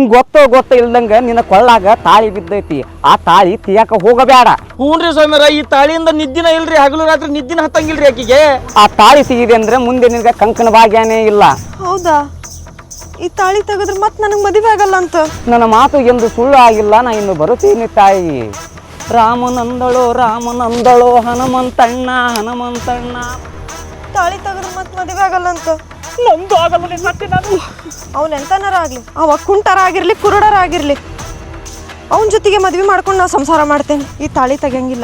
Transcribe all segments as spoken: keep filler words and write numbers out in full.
ಗೊತ್ತೋ ಗೊತ್ತ ಇಲ್ದಂಗ ನಿನ್ನ ಕೊಳ್ಳಾಗ ತಾಳಿ ಬಿದ್ದೈತಿ. ಆ ತಾಳಿ ತೀಯಾಕ ಹೋಗಬೇಡ. ಹ್ಞೂನ್ರಿ ಸ್ವಾಮಿಯರ, ಈ ತಾಳಿಯಿಂದ ನಿದ್ದಿನ ಇಲ್ರಿ, ಹಗಲು ರಾತ್ರಿ ನಿದ್ದಿನ ಹತ್ತಂಗಿಲ್ರಿ ಆಕಿಗೆ. ಆ ತಾಳಿ ಸಿಗಿದೆ ಅಂದ್ರೆ ಮುಂದೆ ನಿನಗೆ ಕಂಕಣ ಭಾಗ್ಯನೇ ಇಲ್ಲ. ಹೌದಾ? ಈ ತಾಳಿ ತೆಗೆದ್ರೆ ಮತ್ತೆ ನನಗೆ ಮದುವೆ ಆಗಲ್ಲ ಅಂತ. ನನ್ನ ಮಾತು ಎಂದು ಸುಳ್ಳು ಆಗಿಲ್ಲ. ನಾ ಇನ್ನು ಬರುತ್ತೀನಿ ತಾಯಿ. ರಾಮನಂದಳೋ ರಾಮನಂದಳೋ ಹನುಮಂತಣ್ಣ ಹನುಮಂತಣ್ಣ. ತಾಳಿ ತೆಗೆದ್ರೆ ಮತ್ತೆ ಮದುವೆ ಆಗಲ್ಲ ಅಂತ. ನಮ್ದು ಆಗಲ್ಲ ಮತ್ತೆ. ನಾನು ಅವ್ನು ಎಂತನಾರ ಆಗ್ಲಿ, ಅವ ಕುಂಟರ ಆಗಿರ್ಲಿ ಕುರುಡರ ಆಗಿರ್ಲಿ, ಅವನ ಜೊತೆಗೆ ಮದ್ವೆ ಮಾಡ್ಕೊಂಡು ನಾವು ಸಂಸಾರ ಮಾಡ್ತೇನೆ. ಈ ತಾಳಿ ತೆಗಿಯಂಗಿಲ್ಲ.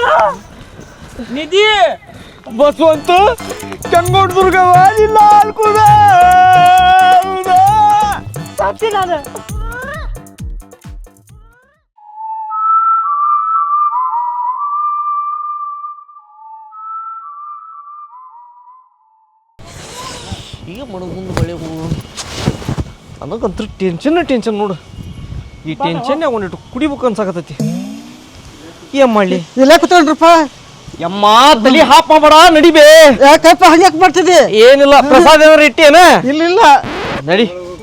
ನಿಧಿ ಬಸವಂತ ಚಂಗೋಡ್ ದುರ್ಗವ ಇಲ್ಲ ಅಲ್ಕುದ ಸಾಕ್ಷಿ ನಾನು. ಈಗ ಮಣಗುಂದು ಬಳೆ ಹೂವು ನನಗಂತೂ ಟೆನ್ಷನ್ ಟೆನ್ಷನ್ ನೋಡು. ಈ ಟೆನ್ಷನ್ ಒಂದಿಟ್ಟು ಕುಡಿಬೇಕು ಅನ್ಸಾಕತ್ತೈತಿ. ಏನ್ ಮಾಡ್ಲಿ? ಇಲ್ಲ ಕೂತ್ಕೊಳ್ರಪ್ಪ. ಯಮ್ಮ ತಲಿ ಹಾಪ್ ಮಾಡಬೇಡ, ನಡಿಬೇ. ಯಾಕಪ್ಪ ಹಂಗ್ಯಾಕ್ ಮಾಡ್ತಿದ್ದಿ? ಏನಿಲ್ಲ, ಪ್ರಸಾದ ಏನಾರ ಇಟ್ಟೇನ? ಇಲ್ಲ ಇಲ್ಲ, ನಡಿ.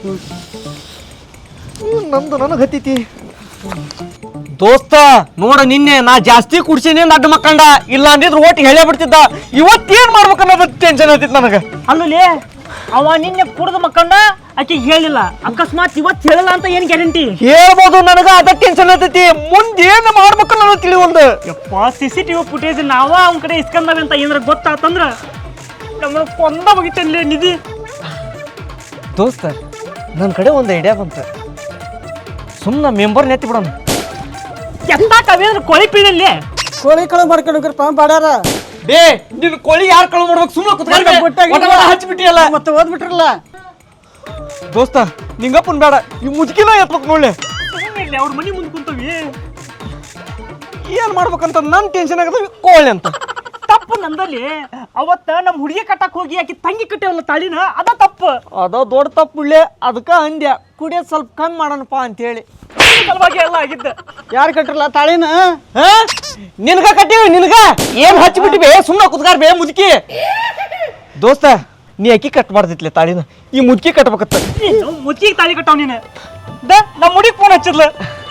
ನಂದು ನನಗೆ ಹತ್ತೈತಿ ದೋಸ್ತ. ನೋಡ ನಿನ್ನೆ ನಾ ಜಾಸ್ತಿ ಕುಡ್ಸೀನಿ ಅಡ್ಡ ಮಕ್ಕಂಡ, ಇಲ್ಲ ಅಂದಿದ್ರು ಒಟ್ಟು ಹೇಳೇ ಬಿಡ್ತಿದ್ದ. ಇವತ್ತೇನ್ ಮಾಡ್ಬೇಕನ್ನೋದು ಟೆನ್ಷನ್ ಹತ್ತಿತ್ತು ನನಗೆ. ಅಲ್ಲಿ ಅವ ನಿನ್ನೆ ಕುಡ್ದು ಮಕ್ಕಂಡ ಆಕೆ ಹೇಳಿಲ್ಲ, ಅಕಸ್ಮಾತ್ ಇವತ್ತು ಹೇಳಿಲ್ಲ ಅಂತ ಏನ್ ಗ್ಯಾರಂಟಿ? ಹೇಳ್ಬೋದು, ನನಗ ಅದ ಟೆನ್ಷನ್ ಹತ್ತೈತಿ. ಮುಂದೆ ಏನ್ ಮಾಡ್ಬೇಕು ನನಗೆ ತಿಳಿವಲ್ದು. ಯಪ್ಪ, ಸಿ ಸಿ ಟಿವಿ ಫುಟೇಜ್ ನಾವ ಅವ್ನ ಕಡೆ ಇಸ್ಕೊಂಡಾವೆ ಅಂತ ಏನಾರ ಗೊತ್ತಾತಂದ್ರ ನಮ್ಮನ್ನ ಕೊಂದ ಮುಗಿತೇನ್ಲೇ ನಿಧಿ. ದೋಸ್ತ, ನನ್ನ ಕಡೆ ಒಂದು ಐಡಿಯಾ ಬಂತ. ಸುಮ್ಮನೆ ಮೆಂಬರ್ ನೆತ್ತಿ ಬಿಡೋಣ. ಎಂತ ಕವಿಯಂದ್ರ ಕೊಳಿ ಪೀಡಲ್ಲಿ ಕೋಳಿ ಕಳು ಮಾಡ್ಕೊಂಡ್ರಪ್ಪ ಬಾಡ್ಯಾರ. ಡೇ ನಿನ್ ಕೋಳಿ ಯಾರು ಕಳು ಮಾಡ್ಬೇಕು? ಸುಮ್ಮನೆ ಹಚ್ಚಿಬಿಟ್ಟಿಯಲ್ಲ, ಮತ್ತೆ ಓದ್ಬಿಟ್ರಲ್ಲ. ದೋಸ್ತ ನಿಂಗಪ್ಪನ್ ಬೇಡ, ಈ ಮುದುಕಿನ ಎತ್ಬೇಕು ನೋಡ್ಲೆ. ಅವ್ರ ಮನಿ ಮುಂದೆ ಕುಂತವಿ. ಏನ್ ಮಾಡ್ಬೇಕಂತ ನನ್ ಟೆನ್ಷನ್ ಆಗದ. ಕೋಳಿ ಅಂತ ತಪ್ಪು ನಂದಲ್ಲಿ. ಅವತ್ತ ನಮ್ ಹುಡುಗಿ ಕಟ್ಟಕ್ ಹೋಗಿ ಆಕಿ ತಂಗಿ ಕಟ್ಟೇವಲ್ಲ ತಾಳಿನ, ಅದ ತಪ್ಪು. ಅದ ದೊಡ್ಡ ತಪ್ಪುಳ್ಳೆ. ಅದಕ್ಕ ಅಂದ್ಯ ಕುಡಿಯೋದ್ ಸ್ವಲ್ಪ ಕಮ್ಮಿ ಮಾಡೋಣಪ್ಪ ಅಂತ ಹೇಳಿ. ಸಲುವಾಗಿ ಎಲ್ಲ ಆಗಿದ್ದ. ಯಾರು ಕಟ್ರಲ್ಲ ತಾಳಿನ? ನಿನ್ಗ ಕಟ್ಟಿವಿ, ನಿನ್ಗ ಏನ್ ಹಚ್ಚಿಬಿಟ್ಟಿವಿ? ಸುಮ್ಮನೆ ಕುತ್ಕಾರ್ ಬೇ ಮುದುಕಿ. ದೋಸ್ತ, ನೀ ಅಕ್ಕಿ ಕಟ್ಬಾರ್ದಿತ್ಲೆ ತಾಳಿನ, ಈ ಮುದುಕಿ ಕಟ್ಬೇಕತ್ತ. ಮುಚ್ಚಿಗೆ ತಾಳಿ ಕಟ್ಟಾವ್ ನೀನು. ದ ನಮ್ಮ ಹುಡುಗಿ ಫೋನ್ ಹಚ್ಚಿದ್ಲ,